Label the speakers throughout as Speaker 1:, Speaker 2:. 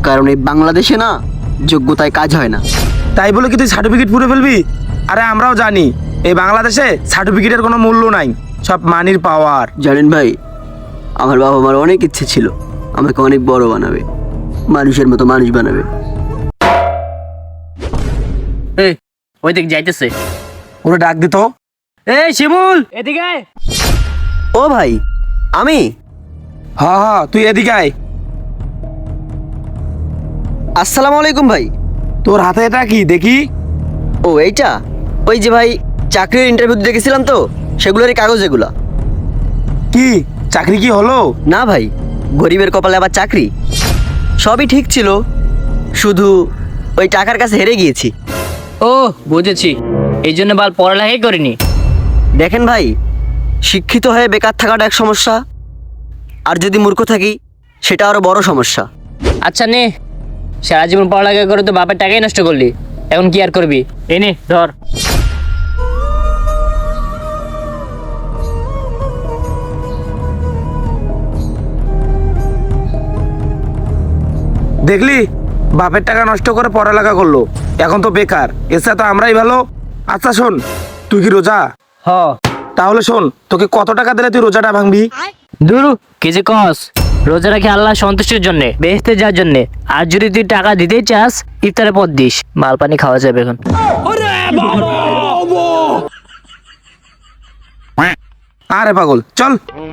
Speaker 1: কারণ এই বাংলাদেশে না যোগ্যতায় কাজ হয় না।
Speaker 2: তাই বলে কি তুই সার্টিফিকেট পুড়ে ফেলবি? আরে আমরাও জানি এই বাংলাদেশে সার্টিফিকেটের কোনো মূল্য নাই, সব মানির পাওয়ার।
Speaker 1: জানেন ভাই, আমার বাবা মার অনেক ইচ্ছে ছিল আমাকে অনেক বড় বানাবে, মানুষের মতো মানুষ বানাবে।
Speaker 3: এই ওই দিক যাইতেছে।
Speaker 2: ওরা ডাক দিত।
Speaker 3: এই শিমুল এদিকে আয়।
Speaker 1: ও ভাই, আমি
Speaker 2: হ্যাঁ হ্যাঁ, তুই এদিকে আয়।
Speaker 1: আসসালামু আলাইকুম ভাই।
Speaker 2: তোর হাতে এটা কি দেখি?
Speaker 1: ও এইটা ওই যে ভাই চাকরির ইন্টারভিউ দিতে গেছিলাম তো, সেগুলোরই কাগজ এগুলা।
Speaker 2: কি চাকরি কি হলো?
Speaker 1: না ভাই, গরিবের কপালে আবার চাকরি? সবই ঠিক ছিল, শুধু ওই টাকার কাছে হেরে গিয়েছি।
Speaker 3: ও বুঝেছি, এই জন্য বাল পড়ালেখাই করিনি।
Speaker 1: দেখেন ভাই, শিক্ষিত হয়ে বেকার থাকাটা এক সমস্যা, আর যদি মূর্খ থাকি সেটা আরো বড় সমস্যা।
Speaker 3: আচ্ছা নে, সারা জীবন পড়ালেখা করে তো বাপের টাকাই নষ্ট করলি, এখন কি আর করবি? এই নে ধর।
Speaker 2: দেখলি, বাপের টাকা নষ্ট করে পড়ালেখা করলো, এখন তো বেকার। এছাড়া তো আমরাই ভালো। আচ্ছা শোন, তুই কি রোজা?
Speaker 3: হ
Speaker 2: তাহলে শোন, তোকে কত টাকা দিলে তুই রোজাটা ভাঙবি?
Speaker 3: দুরু কি যে কস, রোজা রাখি আল্লাহ সন্তুষ্টির জন্য, বেহেশতে যাওয়ার জন্য। আর যদি তুই টাকা দিতেই চাস, ইফতারের পর দিস, মাল পানি খাওয়া যাবে এখন।
Speaker 2: আরে পাগল, চল।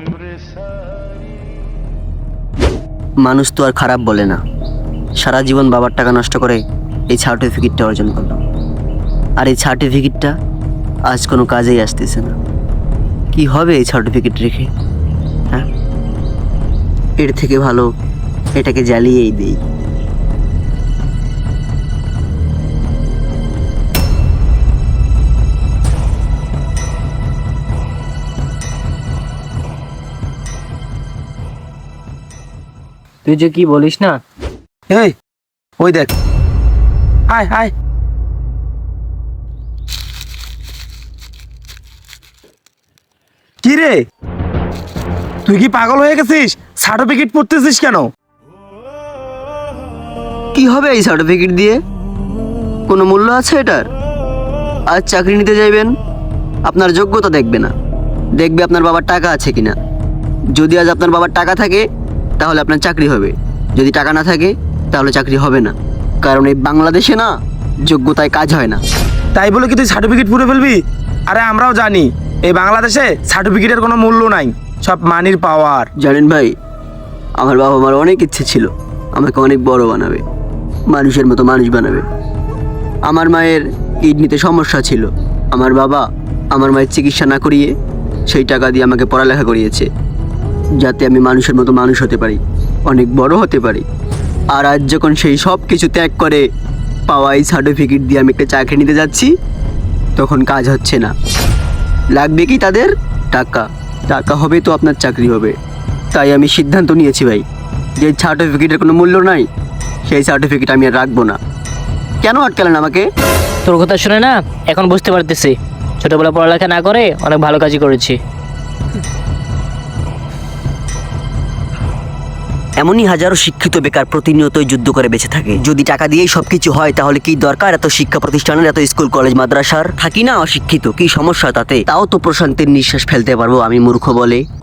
Speaker 1: মানুষ তো আর খারাপ বলে না। সারা জীবন বাবার টাকা নষ্ট করে এই সার্টিফিকেটটা অর্জন করলাম, আর এই সার্টিফিকেটটা আজ কোনো কাজেই আসতেছে না। কি হবে এই সার্টিফিকেট রেখে? হ্যাঁ, এর থেকে ভালো এটাকে জ্বালিয়েই দিই।
Speaker 3: তুই যে কি বলিস না।
Speaker 2: এই ওই দেখ, আয় আয়। কি রে, তুই কি পাগল হয়ে গেছিস? সার্টিফিকেট পড়তেছিস কেন?
Speaker 1: কি হবে এই সার্টিফিকেট দিয়ে? কোনো মূল্য আছে এটার? আজ চাকরি নিতে যাইবেন, আপনার যোগ্যতা দেখবে না, দেখবে আপনার বাবার টাকা আছে কিনা। যদি আজ আপনার বাবার টাকা থাকে তাহলে আপনার চাকরি হবে, যদি টাকা না থাকে তাহলে চাকরি হবে না। কারণ এই বাংলাদেশে না যোগ্যতায় কাজ হয় না।
Speaker 2: তাই বলে কি তুই সার্টিফিকেট পুড়ে ফেলবি? আরে আমরাও জানি এই বাংলাদেশে সার্টিফিকেটের কোনো মূল্য নাই, সব মানির পাওয়ার।
Speaker 1: জানেন ভাই, আমার বাবা মার অনেক ইচ্ছে ছিল আমাকে অনেক বড় বানাবে, মানুষের মতো মানুষ বানাবে। আমার মায়ের কিডনিতে সমস্যা ছিল, আমার বাবা আমার মায়ের চিকিৎসা না করিয়ে সেই টাকা দিয়ে আমাকে পড়ালেখা করিয়েছে, যাতে আমি মানুষের মতো মানুষ হতে পারি, অনেক বড় হতে পারি। আর আজ যখন সেই সব কিছু ত্যাগ করে পাওয়া এই সার্টিফিকেট দিয়ে আমি একটা চাকরি নিতে যাচ্ছি, তখন কাজ হচ্ছে না। লাগবে কি তাদের? টাকা। টাকা হবে তো আপনার চাকরি হবে। তাই আমি সিদ্ধান্ত নিয়েছি ভাই, যে সার্টিফিকেটের কোনো মূল্য নাই, সেই সার্টিফিকেট আমি আর রাখবো না। কেন আটকালেন আমাকে?
Speaker 3: তোর কথা শুনে না এখন বুঝতে পারতেছি, ছোটবেলা পড়ালেখা না করে অনেক ভালো কাজই করেছি।
Speaker 1: এমনই হাজারো শিক্ষিত বেকার প্রতিনিয়তই যুদ্ধ করে বেঁচে থাকে। যদি টাকা দিয়েই সবকিছু হয় তাহলে কি দরকার এত শিক্ষা প্রতিষ্ঠানের, এত স্কুল কলেজ মাদ্রাসার? থাকি না অশিক্ষিত, কি সমস্যা তাতে? তাও তো প্রশান্তির নিঃশ্বাস ফেলতে পারবো আমি, মূর্খ বলে।